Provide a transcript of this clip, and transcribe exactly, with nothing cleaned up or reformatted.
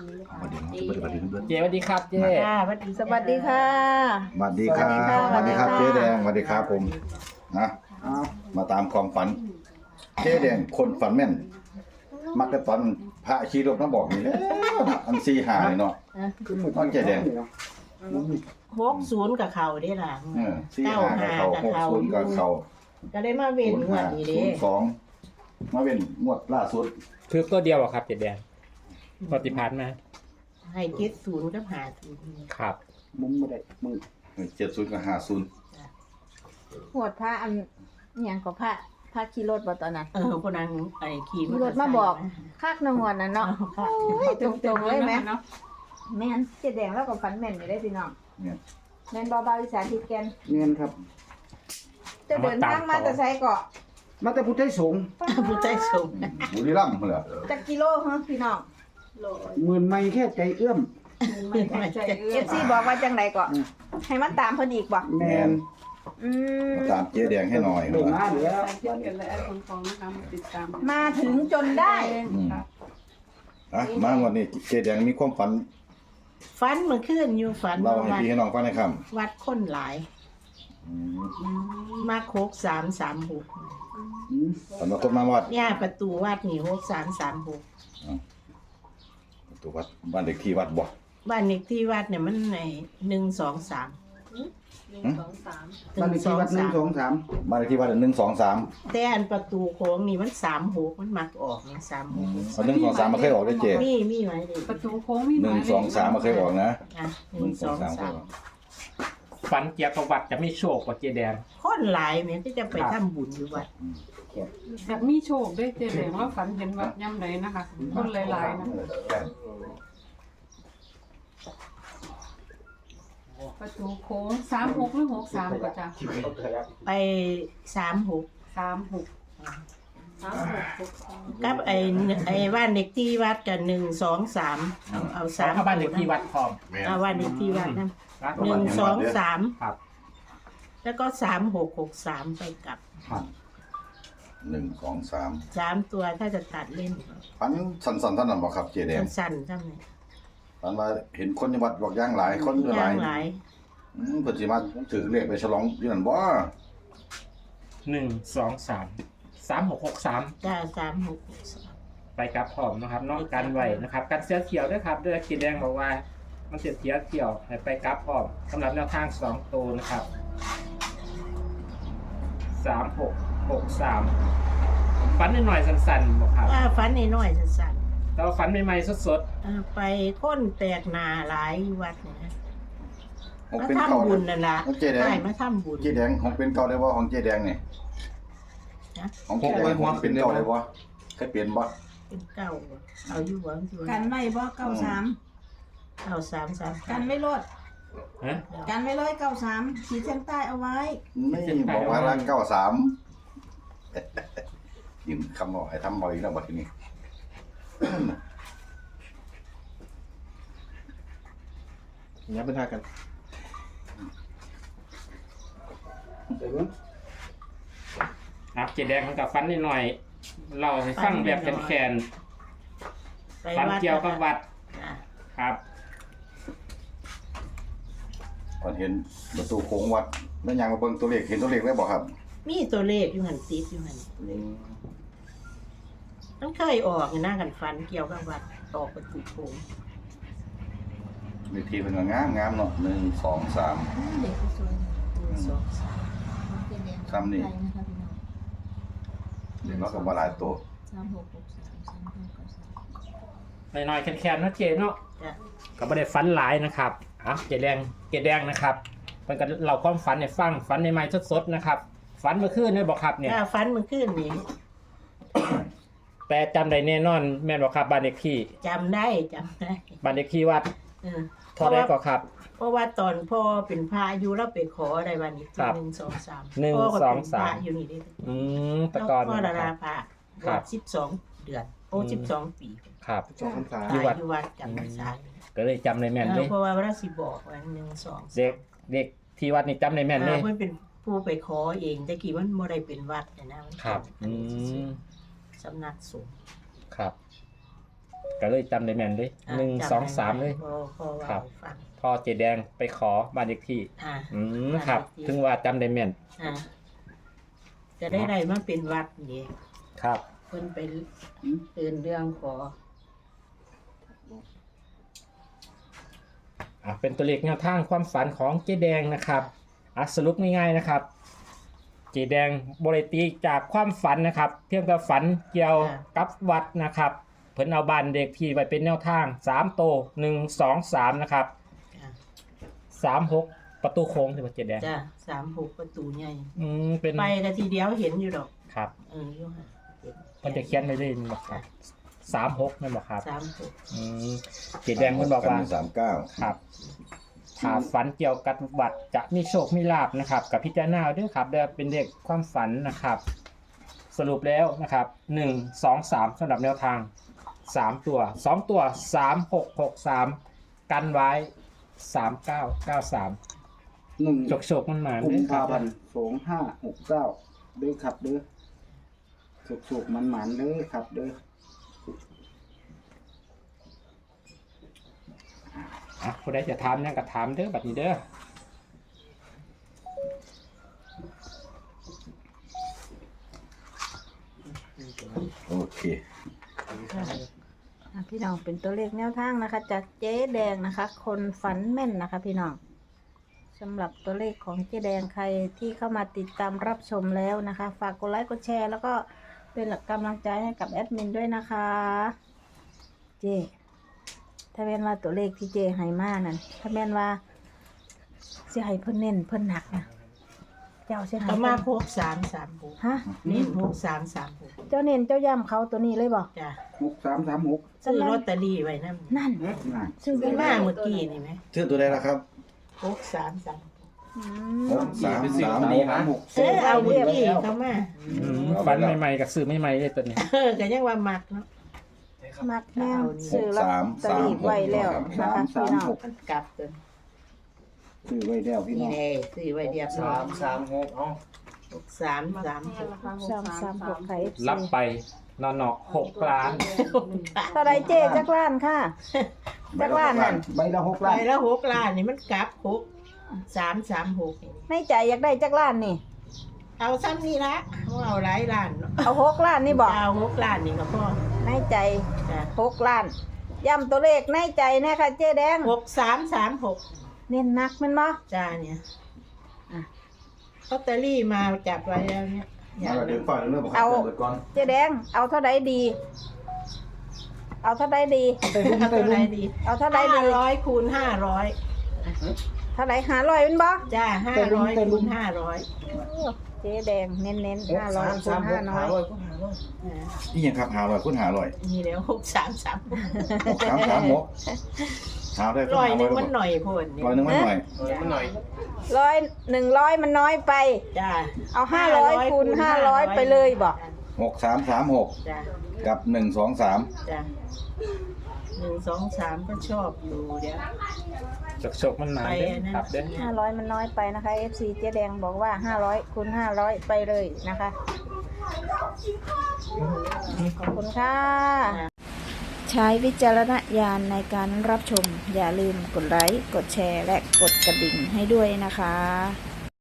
สวัสดีครับสวัสดีเพื่อนเจสวัสดีครับเจค่ะสวัสดีสวัสดีค่ะสวัสดีครับสวัสดีครับเจ๊แดงสวัสดีครับผมนะมาตามความฝันเจ๊แดงคนฝันแม่น มักจะตอนพระชีรบน้ำบอกนี่แหละอันซีหาเลยเนาะน้องเจ๊แดงหกศูนย์กับเขาได้ล่ะเออซีหากับเขาหกศูนย์กับเขาก็ได้มาเว้นศูนย์งวห้าดนี้ศูเด้นย์สองมาเป็นงวดล่าสุดคือตัวเดียวอะครับเจแดงปฏิพัทธ์มาให้เจ็ดศูนย์กับหาศูนย์ครับมุมบ่ได้มึงเจ็ดศูนย์กับห้าศูนย์หวดพระอันอหย่างก็พระพระขี่รถบ่ตอนนั้นเออคนนั้นไอ้ขี่ขี่รถมาบอกคักนงวดนั่นเนาะโอ้ยตรงๆเลยแม่แม่นเจ๊แดงแล้วก็ฝันแม่นอยู่ได้พี่น้องเนี่ยแม่นบ่าวๆอีสานทิศแกนเงินครับจะเดินทางมาแต่ไสก็มาแต่พุทธไทยสงฆ์ผู้ใจสูงบุรีรัมย์เหรอจักกิโลฮะพี่น้องหมื่นไม่แค่ใจเอื้อมเอฟซีบอกว่าจังไดก็ให้มาตามเพิ่นอีกบ่แมนอืมมาตามเจ๊แดงให้หน่อยโด่งนะมาแล้วเจ็ดกันเลยไอ้คนฟองนะคะมาติดตามมาถึงจนได้อืมอ่ะมาวันนี้เจ๊แดงมีความฝันฟันเมื่อคืนอยู่ฝันเล่าว่าให้วัดพี่ให้น้องฟังหน่อยครับวัดคนหลายอืมมาโคกสามสามหกอืมฝันว่าคนมาวัดเนี่ยประตูวัดนี่หกสามสามหกตัววัดบ้านเด็กที่วัดบ่บ้านเลขที่วัดเนี่ยมันในหนึ่งสองสามหนึ่งสองสามบ้านเลขที่วัดหนึ่งสองสามบ้านเลขที่วัดหนึ่งสองสามแต่อันประตูโค้งนี่มันสามหกมันมักออกเนี่ยสามหกเอาหนึ่งสองสามมาเคยออกได้เจ๊มีมีไว้เลยประตูโค้งมีหนึ่งสองสามมาเคยออกนะอ่ะหหนึ่นึ่งงสสอองงสามเคสาย มออกฝันเกี่ยวกับวัดจะไม่โชคกว่าเจแดงคนหลายแม่ที่จะไปทำบุญอยู่วัดแบบมีโชคด้วยเจเลยว่าฝันเห็นวัดย่ำไรนะคะ คนหลายๆนะประตูโค้งสามหกหรือหกสามก็จะไปสามหกสามหกสามหกหกสามกับไอ้ไอ้บ้านเด็กที่วัดกันหนึ่งสองสามเอาเอาสาสาม มเข้าบ้านเด็กที่วัดพร้อมเอาบ้านเด็กที่วัดนั่นครับหนึ่งสองสามครับแล้วก็สามหกหกสามไปกลับหนึ่งสองสามสามตัวถ้าจะตัดเล่นฝันสันสันท่านนั้นบอกครับเจ๊แดงสั้นๆเท่านั้นฝันว่าเห็นคนในวัดบอกย่างหลายคนหย่าลายงหลายอืมเพิ่นสิมาถือเลขไปฉลองอยู่นั่นบ่หนึ่งสองสามสามหกหกสามจ้าสามหกหกสามไปกับพร้อมนะครับนอกกันไว้นะครับการเสียเขียวด้วยครับด้วยเจแดงบอกว่ามันเสียเสียเขียวให้ไปกับพร้อมสำหรับแนวทางสองตัวนะครับสามหกหกสามฝันนิดหน่อยสั้นๆบอกครับอ่าฝันน้อยๆสั้นแต่ว่าฝันใหม่ๆสดๆอ่าไปค้นแตกหนาหลายวัดเนี่ยนะของมาเป็นเก่าทำบุญนั่นล่ะของเจ๊แดงใช่มาทำบุญเจ๊แดงของเป็นเก่าได้บ่ของเจ๊แดงนี่นะของเจ๊แดงของเป็นเก่าได้บ่เคยเปลี่ยนบ่เป็นเก้าบ่เอาอยู่หวังอยู่กันไว้บ่เก้าสามเอาสามสามกันไว้รถๆฮะกันไว้เลยเก้าสามขีดเส้นใต้เอาไว้นี่บอกว่าละเก้าสามยิ้มคำบอกให้ทำบ่อยแล้วบัดนี้อย่าเป็นทากันเดี๋ยวมึงครับเจแดงมันกับฝันนิดหน่อยเราให้ฟังแบบแคนไปๆฝันวัดเกี่ยวกับวัดจ้ะครับก่อนเห็นประตูโค้งวัดแล้วยังมาเบิ่งตัวเลขเห็นตัวเลขแล้วบ่ครับมีตัวเลขอยู่หันติดอยู่หันมันเคยออกหน้ากันฟันเกี่ยวกับวัดออกประตูโค้งเลขที่เพิ่นก็งามงามๆเนาะหนึ่งสองสามเด็กสวยหนึ่งสองสามซ้ำนี่เดี๋ยวเราก็บ่หลายตัวสามหกหกสามสามห้าเก้าสามหน่อยๆแคนๆนะเจเนาะจ้ะก็ไม่ได้ฝันหลายนะครับอ่ะเจแดงเจแดงนะครับมันก็เราความฝันในฟังฝันในไม้สดๆนะครับฝันเมื่อคืนนี่บอกครับเนี่ยถ้าฟันมันขึ้นนี่แต่จำได้แน่นอนแม่นบอกครับบ้านเด็กที่จำได้จำได้บ้านเด็กที่วัดเออเท่าไรก็ครับเพราะว่าตอนพ่อเป็นพระอายุแล้วไปขออะไรวันนี้ครับหนึ่งสองสามหนึ่งพ่ก็สองเป็นสามพระอยู่นี่ได้อืมแตะแล้วกอนพ่อนะดาครารับพระครับสิบสองเดือนโอ้อืมสิบสองปีครับสองพรรษาอยู่วัดอยู่วัดจำพรรษาก็เลยจำในแม่นเลยเพราะว่าพระสิบอกว่าหนึ่งสองสามเด็กเด็กที่วัดนี่จำในแม่นเลยอ่าเพิ่นเป็นผู้ไปขอเองแต่กี้มันบ่ได้เป็นวัดนะนะมันเป็นครับอันอืนี้ซื่อมๆสำนักสงฆ์ครับก็เลยจำได้แม่นเลยหนึ่งสองสามเลยพอพอว่าครับฟังพอเจแดงไปขอบ้านเลขที่อ่าอืมครับ ถึงว่าจำได้แม่นอ่าจะได้ไรมาเป็นวัดนี่ครับเพิ่นไปเตือนเรื่องขออ่ะเป็นตัวเลขแนวทางความฝันของเจแดงนะครับอ่ะสรุปง่ายๆนะครับ เจแดงบริตีจากความฝันนะครับ เพียงแต่ฝันเกี่ยวกับวัดนะครับ เพิ่นเอาบ้านเด็กที่ไว้เป็นแนวทางสามโตหนึ่งสองสามนะครับจ้ะสามหกประตูโค้งที่ว่าเจแดงจ้ะสามหกประตูใหญ่อืมเป็นไปกันทีเดียวเห็นอยู่ดอกครับเอออยู่ค่ะเห็นเพิ่นจะเขียนไว้เลยนี่บอกครับสามหกนั่นบอกครับสามหกอืมเจแดงเพิ่นบอกว่าสามเก้าครับถ้าฝันเกี่ยวกับวัดจะมีโชคมีลาบนะครับ กับพิจารณาด้วยครับเดี๋ยวเป็นเด็กความฝันนะครับ สรุปแล้วนะครับหนึ่งสองสามสำหรับแนวทางสามตัวสองตัวสามหกหกสามกันไว้สามเก้าเก้าสามหนึ่งโชคโชคมันมากุมด้วยคภารับพันธ์สองห้าหกเก้าเด้อครับเด้อสุกๆมันหมันๆเด้อครับเด้ออ่ะผู้ใดจะถามนั่นก็ถามเด้อบัดนี้เด้อโอเคอ่ะพี่น้องเป็นตัวเลขแนวทางนะคะ จากเจ๊แดงนะคะ คนฝันแม่นนะคะ พี่น้องสำหรับตัวเลขของเจ๊แดงใครที่เข้ามาติดตามรับชมแล้วนะคะ ฝากกดไลค์กดแชร์ แล้วก็เป็นกำลังใจให้กับแอดมินด้วยนะคะ เจ๊ถ้าแม่นว่าตัวเลขที่เจ๊ให้มานั่นถ้าแม่นว่าสิให้เพิ่นเน้นเพิ่นหนักนะเจ้าสิให้เอาเพิ่นมาหกสามสามหกฮะนี่หกสามสามหกเจ้าเน้นเจ้าย่ำเขาตัวนี้เลยบอกจ้ะหกสามสามหกซื้อลอตเตอรี่ไว้นั่นนั่นน่ะซื้อซื้อไปมามาเมื่อกี้นี่ไหมชื่อตัวใดล่ะครับหกสามสามอืมหกสามสามหกสามหกเออเอาเมื่อกี้เขามาอืมฝันใหม่ๆกับสื่อใหม่ๆเลยตัวนี้เออก็ยังว่ามักเนาะมักแม่งซื้อลอตเตอรี่ไว้แล้วนะคะพี่น้องมันกลับตัวซื้อไว้แล้วพี่น้นี่องแน่ซื้อไว้เรียบร้อยสามหกเอาหกสามสามหกสามสามหกไข่รับไปนอนอกหกล้านเท่าไรเจ๊จักล้านค่ะจักล้านนั่นใบละหกไปล้านแล้วหกล้านนี่มันกลับหกสามสามหกในใจอยากได้จักล้านนี่เอาซ้ำนี่ละเขาเอาหลายล้านเนาะเอาหกล้านนี่บอกเอาหกล้านนี่ก็พอในใจจ้ะหกล้านย้ำตัวเลขในใจแนะคะเจ๊แดงหกสามสามหกเน้นหนักแมันบ่จ้าเนี่ยอ่ะลอตเตอรี่มาจับไว้แล้วเนี่ยมาเดี๋ยวฝ่ายเรื่องบอกเอาเปิดก่อนเจ๊แดงเอาเท่าใดดี เอาเท่าใดดีไปรุ่นเอาไปเท่าไหรุ่รนดีเอาเท่าใดห้าดีร้อยคูณห้าร้อยเท่าใดหาร้อยเป็นบ่จ้าห้าร้อยคูณห้าร้อยเจ๊แดงเน้นเน้นห้าร้อยคูณห้าน้อยนี่ยังครับหาลอยคุณหาลอยนี่แล้วหกสามสามหกสามสามหกหาได้ร้อยหนึงมันหน่อยโพดนี่ร้อยหนึ่งมันหน่อยเออมันหน่อยร้อยหนึ่งร้อยมันน้อยไปจ้าเอาห้าร้อยคูณห้าร้อยไปเลยบอกหกสามสามหกจ้ากับหนึ่งสองสามจ้าหนึ่งสองสามก็ชอบอยู่เดี๋ยวโชคโชคมันมาเด้อครับเด้อห้าร้อยมันน้อยไปนะคะ เอฟ ซี เจ๊แดงบอกว่าห้าร้อยคูณห้าร้อยไปเลยนะคะ ขอบคุณค่ะ ใช้วิจารณญาณในการรับชม อย่าลืมกดไลค์ กดแชร์ และกดกระดิ่งให้ด้วยนะคะ